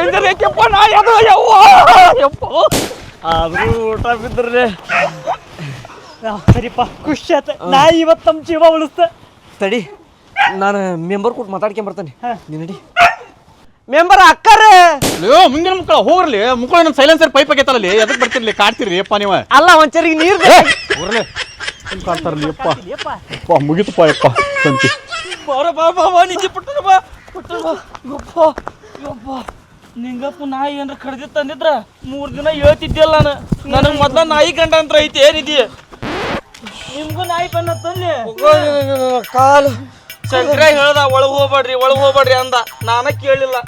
ಆದ್ರೂ ಊಟ ಬಿದ್ದರೆ ಸರಿಪ್ಪ, ಖುಷಿ ಆತ. ನಾ ಇವತ್ತು ನಮ್ಮ ಜೀವ ಉಳಿಸ್ತ. ತಡಿ, ನಾನು ಮೆಂಬರ್ ಕೊಟ್ಟು ಮಾತಾಡ್ಕೊಂಡ್ ಬರ್ತಾನೆ. ನೀ ನಡಿ. ಮೆಂಬರ್ ಅಕ್ಕಾರ ಮುಂದಿನ ಮುಕ್ಕಳ ಹೋಗ್ರಲಿ. ಮುಕ್ಕಳ ನಮ್ಮ ಸೈಲೆನ್ಸರ್ ಪೈಪ್ ಆಗೈತಲ್ಲಿ, ಎದಕ್ ಬರ್ತಿರ್ಲಿ? ಕಾಡ್ತಿರ್ಲಿ ಅಪ್ಪ ನೀವು. ಅಲ್ಲ, ಒಂಚರಿಗೆ ನೀರು ಹೋಗ್ರಲಿ, ಕಾಡ್ತಾರಲಿ ಅಪ್ಪ. ಅಪ್ಪ ಮುಗಿತಪ್ಪ ಯಪ್ಪ ಸಂತಿ. ಬಾರ ಬಾ ಬಾ ಬಾ ನಿಜ ಪುಟ್ಟನ ಬಾ ಪುಟ್ಟನ ಬಾ. ಯಪ್ಪ ಯಪ್ಪ, ನಿಂಗಪ್ಪ ನಾಯಿ ಏನ್ರ ಕಡ್ದಿತ್ತು ತಂದಿದ್ರ ಮೂರ್ ದಿನ ಹೇಳ್ತಿದ್ದಿಲ್ಲ ನಾನು. ನನಗೆ ಮೊದ್ಲ ನಾಯಿ ಗಂಡ ಅಂತ ಐತಿ ಏನಿದೆಯಾ? ನಿಮ್ಗೂ ನಾಯಿ ಬಣ್ಣ ತಂದೆ ಕಾಲು ಶಂಕರ ಹೇಳ್ದ ಒಳಗ್ ಹೋಗ್ಬೇಡ್ರಿ ಒಳಗ್ ಹೋಗ್ಬೇಡ್ರಿ ಅಂದ. ನಾನ ಕೇಳಿಲ್ಲ.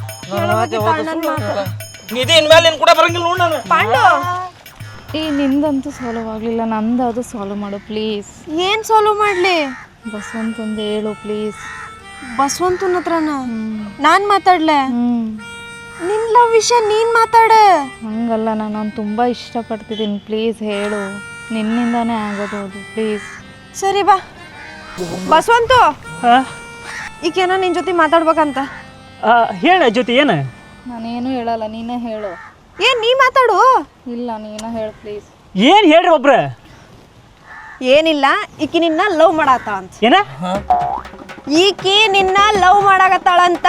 ನಿಧಿ ಇನ್ಮೇಲೆ ನಿನ್ ಕೂಡ ಬರಂಗಿಲ್ಲ ನೋಡ್ ನಾನು. ಪಾಂಡು, ಈ ನಿಂದಂತೂ ಸಾಲ್ವ್ ಆಗಲಿಲ್ಲ, ನಂದು ಅದು ಸಾಲ್ವ್ ಮಾಡು ಪ್ಲೀಸ್. ಏನ್ ಸಾಲ್ವ್ ಮಾಡ್ಲಿ? ಬಸವಂತಂದು ಹೇಳು ಪ್ಲೀಸ್. ಬಸವಂತನ ಹತ್ರನ ನಾನ್ ಮಾತಾಡ್ಲೆ? ಹ್ಞೂ, ನಿನ್ ಲವ್ ವಿಷಯ ನೀನ್ ಮಾತಾಡ. ಹಂಗಲ್ಲ, ನಾನು ಅವ್ನು ತುಂಬ ಇಷ್ಟಪಡ್ತಿದ್ದೀನಿ, ಪ್ಲೀಸ್ ಹೇಳು. ನಿನ್ನಿಂದಾನೇ ಆಗೋದು ಅದು, ಪ್ಲೀಸ್. ಸರಿ ಬಾ. ಬಸವಂತು, ಈಗೇನ ನಿನ್ ಜೊತೆ ಮಾತಾಡ್ಬೇಕಂತ. ಹೇಳ ಜೊತೆ ಏನ? ನಾನೇನು ಹೇಳಲ್ಲ, ನೀನೇ ಹೇಳು. ಏನ್ ನೀ ಮಾತಾಡು. ಇಲ್ಲ, ನೀನೇ ಹೇಳು ಪ್ಲೀಸ್. ಏನ್ ಹೇಳ್ರಿ ಒಬ್ರ? ಏನಿಲ್ಲ, ಈಕಿ ನಿನ್ನ ಲವ್ ಮಾಡಾತಾಳ ಅಂತ. ಏನ? ಈಕಿ ನಿನ್ನ ಲವ್ ಮಾಡಾಕತ್ತಾಳಂತ.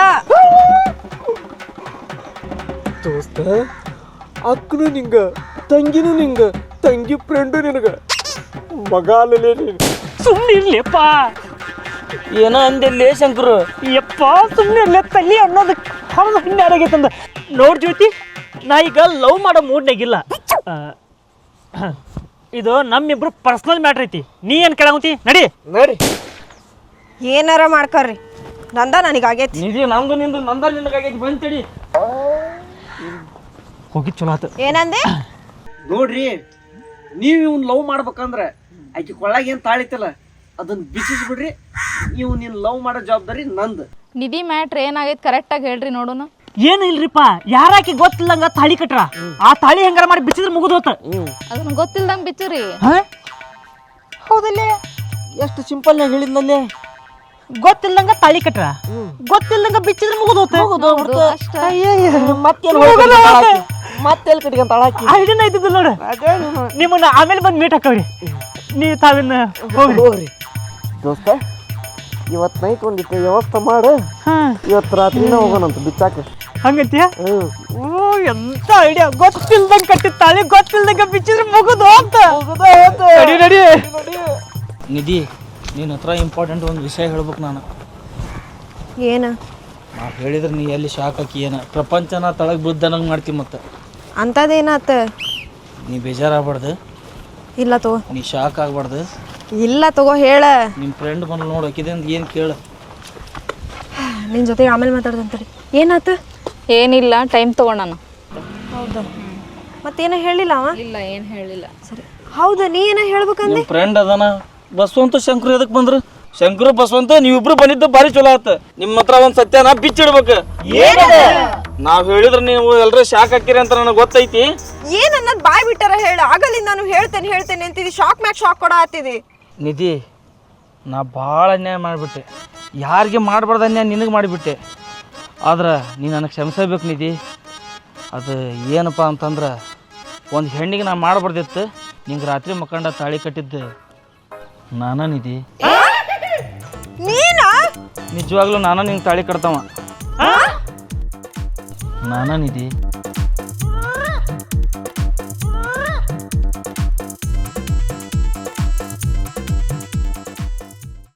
ದೋಸ್ತ, ಅಕ್ಕನು ನಿಂಗ, ತಂಗಿನೂ ನಿಂಗ, ತಂಗಿ ಫ್ರೆಂಡು ನಿನಗ, ಮಗ ಅಲ್ಲಲೇ ನೀನು. ಸುಮ್ಮನೆ ಇರ್ಲಿಪ್ಪ. ಏನೋ ಅಂದಿಲ್ಲೇ ಶಂಕರು. ಯಪ್ಪ ಸುಮ್ಮನೆ ಇರ್ಲಿ, ತಲ್ಲಿ ಅನ್ನೋದು ಹೌದು ಹಿನ್ನಾರಾಗೈತಂದ. ನೋಡ್ ಜ್ಯೋತಿ, ನಾ ಈಗ ಲವ್ ಮಾಡೋ ಮೂಡ್ನಾಗಿಲ್ಲ. ಇದು ನಮ್ಮಿಬ್ರು ಪರ್ಸನಲ್ ಮ್ಯಾಟ್ರ್ ಐತಿ. ನೀ ಏನ್ ಕೇಳಂತಿ? ನಡಿ ನಡಿ. ಏನಾರ ಮಾಡ್ಕರ್ರಿ, ನಂದ ನನಗಾಗೈತಿ. ನಿಧಿ ನಮ್ದು ನಿಂದು ನಂದ ನಿನಗಾಗೈತಿ. ಬಂತಡಿ ಹೋಗಿ ಚಲೋ ಆತ. ಏನಂದೆ? ನೋಡ್ರಿ, ನೀವು ಇವ್ನ ಲವ್ ಮಾಡ್ಬೇಕಂದ್ರೆ ಆಕೆ ಕೊಳ್ಳಾಗ ಏನು ತಾಳಿತಲ್ಲ ಅದನ್ನ ಬಿಚ್ಚಿಸ್ಬಿಡ್ರಿ. ಇವ್ ನೀನ್ ಲವ್ ಮಾಡೋ ಜವಾಬ್ದಾರಿ ನಂದು. ನಿಧಿ ಮ್ಯಾಟ್ರ್ ಏನಾಗೈತೆ ಕರೆಕ್ಟಾಗಿ ಹೇಳ್ರಿ ನೋಡೋಣ. ಏನು ಇಲ್ರಿಪ್ಪ, ಯಾರಾಕಿ ಗೊತ್ತಿಲ್ಲಂಗ ತಾಳಿ ಕಟ್ರ, ಆ ತಾಳಿ ಹೆಂಗಾರ ಮಾಡಿ ಬಿಚ್ಚಿದ್ರೆ ಮುಗಿದು ಹೋತ. ಅದನ್ನ ಗೊತ್ತಿಲ್ದಂಗೆ ಬಿಚ್ಚುರಿ. ಹೌದಲ್ಲೇ, ಎಷ್ಟು ಸಿಂಪಲ್ ನಾಗ ಹೇಳಿದ್ನಲ್ಲೇ. ಗೊತ್ತಿಲ್ಲಂಗ ತಾಳಿ ಕಟ್ರ, ಗೊತ್ತಿಲ್ಲಂಗ ಬಿಚ್ಚಿದ್ರೆ ಮುಗಿದು ಹೋತ. ಮತ್ತೆಲ್ಲಿ ಕಟ್ಕೊಂತ ಹಾಕಿ ಐಡಿಯಾ ಐತಿದ್ದು ನೋಡು. ನಿಮ್ಮನ್ನ ಆಮೇಲೆ ಬಂದು ಮೀಟ್ ಹಾಕವ್ರಿ. ನೀವು ತಾವಿನ್ನ ಹೋಗ್ರಿ ಹೋಗ್ರಿ. ದೋಸ್ತ, ಇವತ್ತು ನೈಟ್ ಒಂದಿತ್ತು ವ್ಯವಸ್ಥೆ ಮಾಡು. ಇವತ್ತು ರಾತ್ರಿನ ಹೋಗೋಣಂತ ಬಿಚ್ಚಾಕ. ಹಂಗಂತೀಯ? ಓ ಎಂತ ಐಡಿಯಾ. ಗೊತ್ತಿಲ್ದಂಗ ಕಟ್ಟಿದ ತಾಳಿ ಗೊತ್ತಿಲ್ದಂಗ ಬಿಚ್ಚಿದ್ರೆ ಮುಗಿದು ಹೋಗ್ತ. ನಡಿ ನಡಿ. ನಿಧಿ, ನಿನ್ನ ಹತ್ರ ಇಂಪಾರ್ಟೆಂಟ್ ಒಂದು ವಿಷಯ ಹೇಳ್ಬೇಕು ನಾನು. ಏನ? ನಾ ಹೇಳಿದ್ರೆ ನೀ ಎಲ್ಲಿ ಶಾಕ್ ಹಾಕಿ ಏನ ಪ್ರಪಂಚನ ತಳಗ್ ಬಿದ್ದಂಗೆ ಮಾಡ್ತೀವಿ. ಮತ್ತೆ ಅಂತದೇನಾತ? ನೀ ಬೇಜಾರಾಗ್ಬಾರ್ದು, ಇಲ್ಲ ತಗೋ. ನೀ ಶಾಕ್ ಆಗ್ಬಾರ್ದು. ಇಲ್ಲ ತಗೋ, ಹೇಳ. ನಿಮ್ಮ ಫ್ರೆಂಡ್ ಬಂದು ನೋಡೋಕಿದಿಂದ ಏನು ಕೇಳು. ನಿನ್ ಜೊತೆ ಆಮೇಲೆ ಮಾತಾಡ್ದಂತಡಿ. ಏನಾತ? ಏನಿಲ್ಲ, ಟೈಮ್ ತಗೊಂಡಾನ. ಹೌದಾ? ಮತ್ತೇನ ಹೇಳಿಲ್ಲ ಅವ? ಇಲ್ಲ, ಏನು ಹೇಳಿಲ್ಲ. ಸರಿ. ಹೌದಾ, ನೀ ಏನ ಹೇಳ್ಬೇಕಂದ್ರೆ? ನಿಮ್ಮ ಫ್ರೆಂಡ್ ಅದಾನ ಬಸವಂತ ಶಂಕರ್ ಎದಕ್ಕೆ ಬಂದ್ರು? ಶಂಕರು ಬಸವಂತ ನೀವಿಬ್ರು ಬಂದಿದ್ದು ಭಾರಿ ಚಲೋ ಆತ ನಿಮ್ಮ ಹತ್ರ ಒಂದ್ ಸತ್ಯನ ಬಿಚ್ಚಿಡ್ಬೇಕು. ನಾವ್ ಹೇಳಿದ್ರೆ ನೀವು ಎಲ್ರೂ ಶಾಕ್ ಹಾಕಿರಿ ಅಂತ ನನಗೆ ಗೊತ್ತೈತಿ. ಏನ್ ಅನ್ನೋದು ಬಾಯ್ ಬಿಟ್ಟಾರ ಹೇಳ. ಆಗಲಿಂದ ನಾನು ಹೇಳ್ತೇನೆ ಹೇಳ್ತೇನೆ ಅಂತಿದ್ದಿ, ಶಾಕ್ ಮ್ಯಾಕ್ ಶಾಕ್ ಕೊಡ ಆತಿದಿ. ನಿಧಿ, ನಾ ಭಾಳ ಅನ್ಯಾಯ ಮಾಡಿಬಿಟ್ಟೆ. ಯಾರಿಗೆ ಮಾಡಬಾರ್ದು ಅನ್ಯಾಯ ನಿನಗೆ ಮಾಡಿಬಿಟ್ಟೆ. ಆದ್ರೆ ನೀ ನನಗೆ ಕ್ಷಮಿಸಬೇಕು ನಿಧಿ. ಅದು ಏನಪ್ಪ ಅಂತಂದ್ರೆ ಒಂದು ಹೆಣ್ಣಿಗೆ ನಾ ಮಾಡಬಾರ್ದಿತ್ತು. ನಿಂಗೆ ರಾತ್ರಿ ಮಕ್ಕಂಡ ತಾಳಿ ಕಟ್ಟಿದ್ದು ನಾನ ನಿಧಿ. ನೀನಾ? ನಿಜವಾಗ್ಲೂ ನಾನ ನಿಂಗೆ ತಾಳಿ ಕಟ್ತವ ನಾನ ನಿಧಿ.